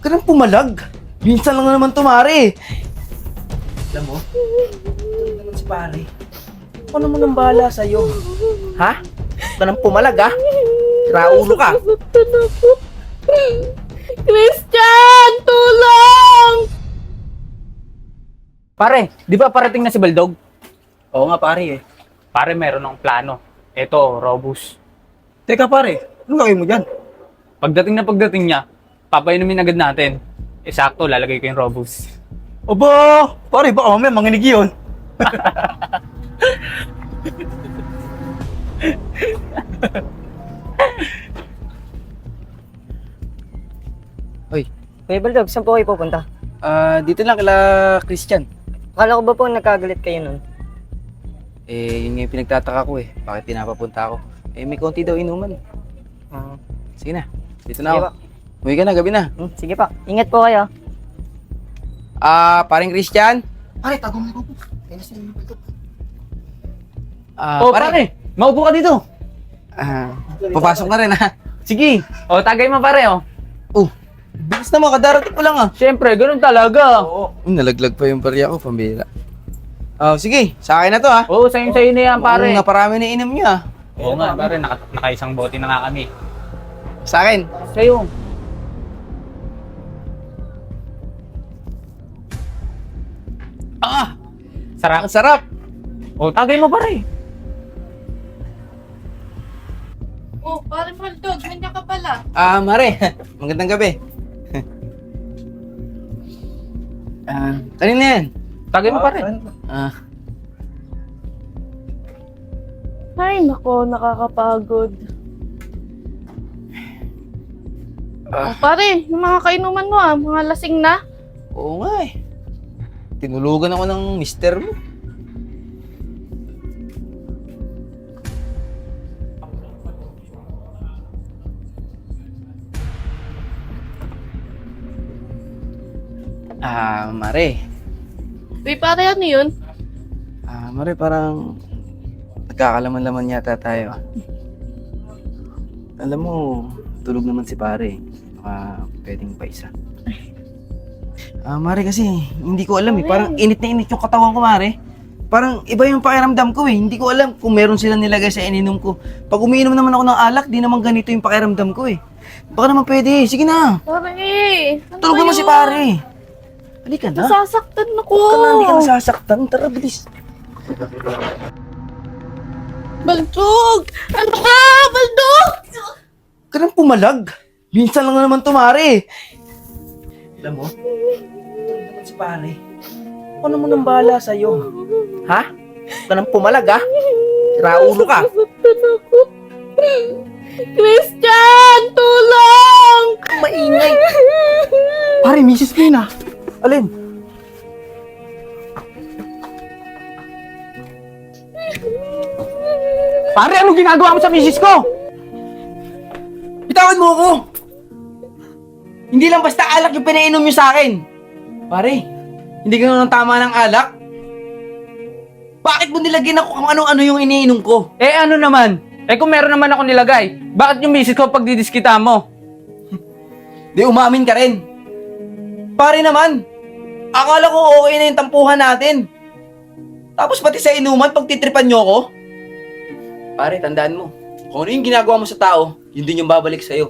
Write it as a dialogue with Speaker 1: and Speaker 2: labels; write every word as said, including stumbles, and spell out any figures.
Speaker 1: ka nang pumalag. Minsan lang naman tumari. Alam mo, ito naman si pare. Ako naman ang bahala sa'yo. Ha? Huwag ka nang pumalag, ha? Raulo ka.
Speaker 2: Nasaktan ako. Christian! Tulong!
Speaker 3: Pare, di ba parating na si Baldog?
Speaker 1: Oo nga pare eh.
Speaker 3: Pare, meron ng plano. Ito, Robus.
Speaker 1: Teka pare, ano gagawin mo dyan?
Speaker 3: Pagdating na pagdating niya, papainumin agad natin. Eh, sakto, lalagay ko yung Robus.
Speaker 1: Aba, pare baka mamaya manginig yun.
Speaker 4: Uy, Kuya Baldog, saan po kayo pupunta?
Speaker 1: Ah, dito lang kala Christian.
Speaker 4: Akala ko ba po nagkagalit kayo nun?
Speaker 1: Eh, yun nga yung pinagtataka ko eh. Bakit pinapapunta ako? Eh, may konti daw inuman.
Speaker 4: Ah,
Speaker 1: Sige na, dito na
Speaker 4: sige
Speaker 1: ako.
Speaker 4: pa.
Speaker 1: Uwi ka na, gabi na.
Speaker 4: Hmm, sige pa, ingat po kayo.
Speaker 1: Ah, paring Christian?
Speaker 5: Pare, tago mo ko. Kainis na yung Baldog.
Speaker 1: Ah,
Speaker 3: oh, pare, maupo ka dito.
Speaker 1: Ah, papasok na rin ha.
Speaker 3: Sige. O, tagay mo pare, oh.
Speaker 1: Oh, bilis naman, kadarating ko lang ah.
Speaker 3: Siyempre, ganun talaga.
Speaker 1: Oo. Uh, nalaglag pa yung barya ko, pambira. Oh, sige, sa akin na to ha.
Speaker 3: Oo, sa'yo-sa'yo na yan, pare.
Speaker 1: Ang naparami na inom niya.
Speaker 3: Oo nga, pare, naka, nakaisang bote na nga kami.
Speaker 1: Sa akin.
Speaker 3: Sa'yo.
Speaker 1: Ah,
Speaker 3: Sarap.
Speaker 1: ang sarap.
Speaker 3: O, tagay mo pare.
Speaker 2: Oh, pare Baldog, nandiyan ka pala.
Speaker 1: Ah, Mare, magandang gabi. Ah, kanina yan.
Speaker 3: Tagay mo pare.
Speaker 1: Ah,
Speaker 2: Ay, nako, nakakapagod.
Speaker 1: Ah.
Speaker 2: Oh, pare, yung mga kainuman mo ah, mga lasing na.
Speaker 1: oo nga eh. Tinulugan ako ng mister mo. Ah, Mare.
Speaker 2: Uy, pare, ano yun?
Speaker 1: Ah, Mare, parang nagkakalaman-laman yata tayo. Alam mo, tulog naman si pare. Baka pwedeng pa isa. Ah, Mare kasi, hindi ko alam eh. Parang init na init yung katawan ko, Mare. Parang iba yung pakiramdam ko eh. Hindi ko alam kung meron sila nilagay sa ininom ko. Pag umiinom naman ako ng alak, di naman ganito yung pakiramdam ko eh. Baka naman pwede. Sige na.
Speaker 2: Pare, ano
Speaker 1: Tulog
Speaker 2: ba
Speaker 1: naman si
Speaker 2: yun?
Speaker 1: pare. Halika na.
Speaker 2: Nasasaktan ako.
Speaker 1: Huwag ka na, hindi ka nasasaktan. Tara, bilis.
Speaker 2: Baldog! Ano ka, Baldog?
Speaker 1: Huwag ka nang pumalag. Minsan lang naman tumari. Alam mo, ito naman si pare. Ako naman ang bahala sa'yo. Ha? Huwag ka nang pumalag, ha? Raulo ka.
Speaker 2: Nasasaktan ako. Christian, tulong!
Speaker 1: Maingay.
Speaker 5: Pare, misis ko yun ah.
Speaker 1: Alin?
Speaker 3: Pare, anong ginagawa mo sa misis ko?
Speaker 1: Bitawan mo ako! Hindi lang basta alak yung pinainom nyo sa akin. Pare, hindi ganun ang tama ng alak. Bakit mo nilagyan ako kung ano-ano yung iniinom ko?
Speaker 3: Eh, ano naman? Eh, kung meron naman ako nilagay, bakit yung misis ko pag didiskita mo?
Speaker 1: Di umamin ka rin. Pare naman, akala ko okay na yung tampuhan natin. Tapos pati sa inuman, pagtitripan nyo ako. Pare, tandaan mo, kung ano yung ginagawa mo sa tao, yun din yung babalik sa'yo.